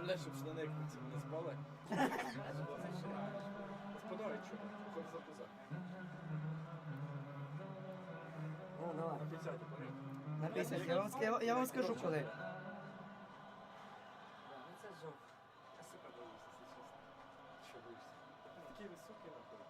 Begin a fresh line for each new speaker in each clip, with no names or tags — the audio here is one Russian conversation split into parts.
блядь, щоб штани кінці не спали. Спиною чого? Хоч за пуза.
О, давай.
На 50 поряд.
На 50. Я вам скажу коли.
Ну це жовт.
Я сука боюся, якщо чесно. Що боюся? Такі високі нахуй.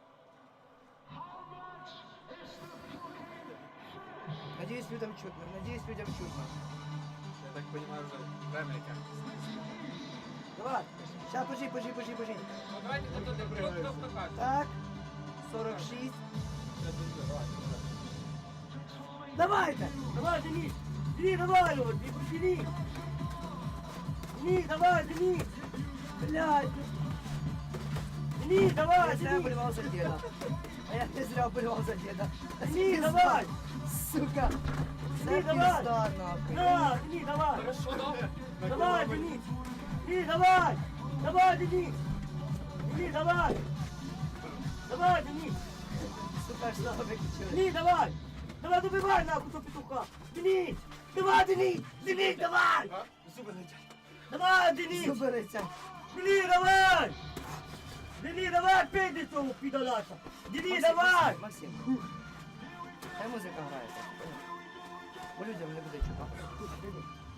Надеюсь, людям чутно. Надеюсь, людям чутно.
Я так розумію, вже время яке.
Давай. Сейчас, пожи.
Ну давайте хто каже.
Так. 46.
Я дуже, давай.
Давайте.
Давай, Денис! Денис, давай его! Денис! Денис, давай, Денис!
Блядь.
Денис, давай,
Я зря
Денис!
болевал за деда. А я не зря болевал за деда.
Денис, давай!
Сука.
Денис,
Це
давай!
пизда, нахуй.
Да, Денис, давай!
Хорошо, добре.
Давай, Денис! Денис, давай! Давай, Денис! Денис, давай! Давай, Денис!
Сука, что вы выключили?
Денис, давай! Давай, добивай нахуй того петуха! Денис! Давай, Денис! Денис, давай!
Зуби летять.
Давай, Денис!
Зубы летят.
Денис, давай! Денис, давай, пейди цього підолаша! Денис, давай!
Максим. Хай музика грається. Бо людям не буде чути.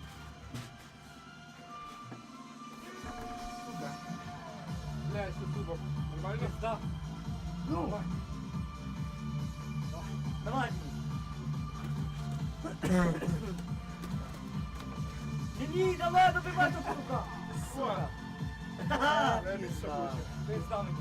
Сука. Блядь, що зубок. Нормально?
Да.
Ну,
Давай, Денис! Денис, давай, добивай того петуха!
Сука.
Ха-ха!
Время собаче.
Ти зданий.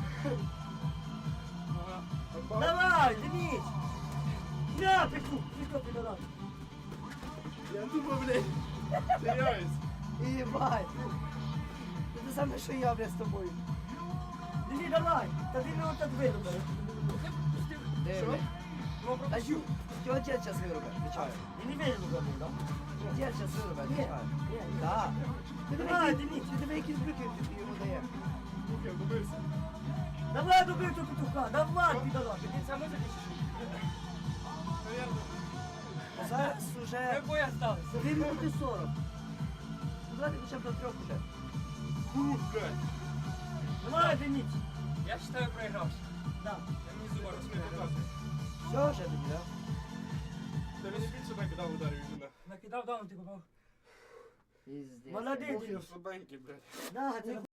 Ага.
Давай, Денис! На, петух! Петух, підолаш!
Я думаю, блядь. Теряюсь.
ебать. Это самое, что я, блядь, с тобой.
Денис, давай! Та ти не отак вирубай!
Де, блядь? А ю, что дед сейчас вырубит? Отвечаю.
І не вирубай, да?
Дед сейчас вырубит,
Ні,
отвечаю.
ні,
Да.
Давай, Денис!
Ты давай якісь брюки йому дає.
Я вдумався.
Давай, добив того петуха! Давай, підолаш!
Це музика чи що?
Наверно.
Зараз уже
Ми бої остались.
2 минуты 40. Ну давайте хоча б до 3 уже.
Фу, блядь.
Давай, Денис!
Я вважаю проігравши.
Да.
Я мені зуба розмовляю.
Все вже тоді, да?
Та мені більше накидав ударів іменно.
Накидав, дав, ти попав.
Пиздец.
Молодець,
Ох, я
Денис!
слабенький, блядь.
Да, ти